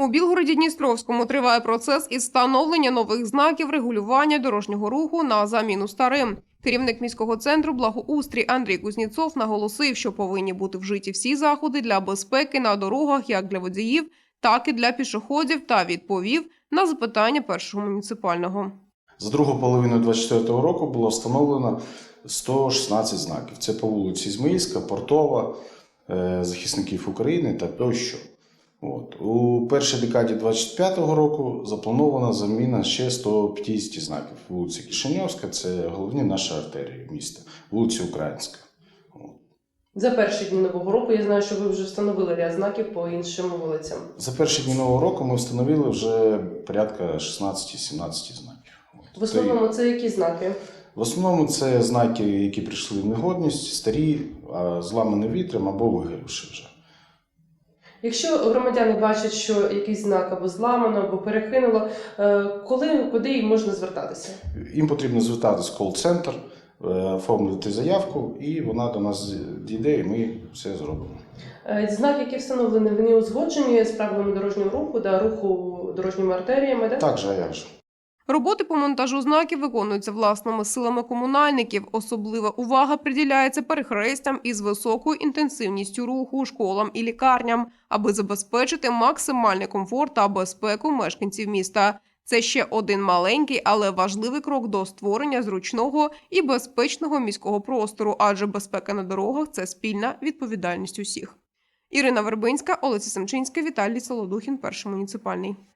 У Білгороді-Дністровському триває процес із встановлення нових знаків регулювання дорожнього руху на заміну старим. Керівник міського центру благоустрій Андрій Кузнєцов наголосив, що повинні бути вжиті всі заходи для безпеки на дорогах як для водіїв, так і для пішоходів, та відповів на запитання першого муніципального. За другу половину 2024 року було встановлено 116 знаків. Це по вулиці Ізмаїльська, Портова, захисників України та тощо. У першій декаді 2025 року запланована заміна ще 150 знаків. Вулиця Кишиньовська – це головні наші артерії міста, вулиця Українська. За перші дні Нового року я знаю, що ви вже встановили ряд знаків по іншим вулицям. За перші дні Нового року ми встановили вже порядка 16-17 знаків. В основному це які знаки? В основному це знаки, які прийшли в негодність, старі, зламані вітром або вигорівши вже. Якщо громадяни бачать, що якийсь знак або зламано, або перекинуло, куди їм можна звертатися? Їм потрібно звертатися в кол-центр, оформити заявку, і вона до нас дійде, і ми все зробимо. Знаки, які встановлені, вони узгоджені з правилами дорожнього руху, руху дорожніми артеріями, так? Так же, а як же. Роботи по монтажу знаків виконуються власними силами комунальників. Особлива увага приділяється перехрестям із високою інтенсивністю руху, школам і лікарням, аби забезпечити максимальний комфорт та безпеку мешканців міста. Це ще один маленький, але важливий крок до створення зручного і безпечного міського простору, адже безпека на дорогах – це спільна відповідальність усіх. Ірина Вербинська, Олеся Семчинська, Віталій Солодухін, Перший муніципальний.